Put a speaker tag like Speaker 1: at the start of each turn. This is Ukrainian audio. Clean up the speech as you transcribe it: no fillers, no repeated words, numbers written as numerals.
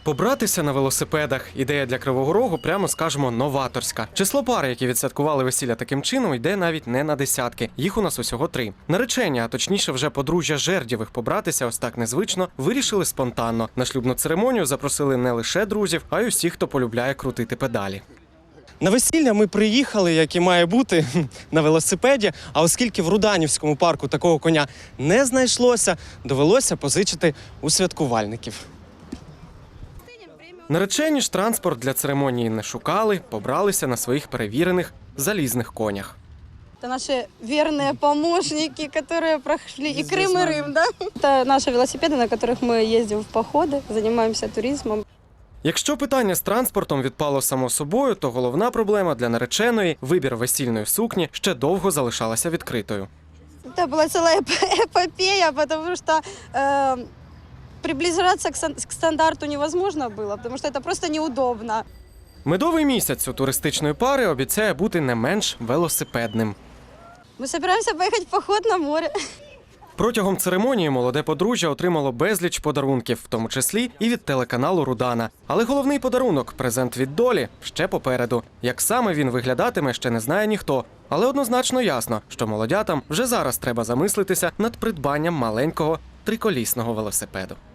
Speaker 1: Побратися на велосипедах – ідея для Кривого Рогу, прямо скажемо, новаторська. Число пар, які відсвяткували весілля таким чином, йде навіть не на десятки. Їх у нас усього 3. Наречені, а точніше вже подружжя Жердєвих побратися ось так незвично, вирішили спонтанно. На шлюбну церемонію запросили не лише друзів, а й усіх, хто полюбляє крутити педалі. На весілля ми приїхали, як і має бути, на велосипеді, а оскільки в Руданівському парку такого коня не знайшлося, довелося позичити у святкувальників. Наречені ж транспорт для церемонії не шукали, побралися на своїх перевірених залізних конях.
Speaker 2: Это наши верные помощники, которые прошли и Крым, и Рим, да? Это наши велосипеды, на которых мы ездим в походы, занимаемся туризмом.
Speaker 1: Якщо питання з транспортом відпало само собою, то головна проблема для нареченої – вибір весільної сукні ще довго залишалася відкритою.
Speaker 2: Это была целая эпопея, потому что приближаться к стандарту невозможно было, потому что это просто неудобно.
Speaker 1: Медовий місяць у туристичної пари обіцяє бути не менш велосипедним.
Speaker 2: Мы собираемся поехать в поход на море.
Speaker 1: Протягом церемонії молоде подружжя отримало безліч подарунків, в тому числі і від телеканалу «Рудана». Але головний подарунок – презент від долі – ще попереду. Як саме він виглядатиме, ще не знає ніхто. Але однозначно ясно, що молодятам вже зараз треба замислитися над придбанням маленького триколісного велосипеду.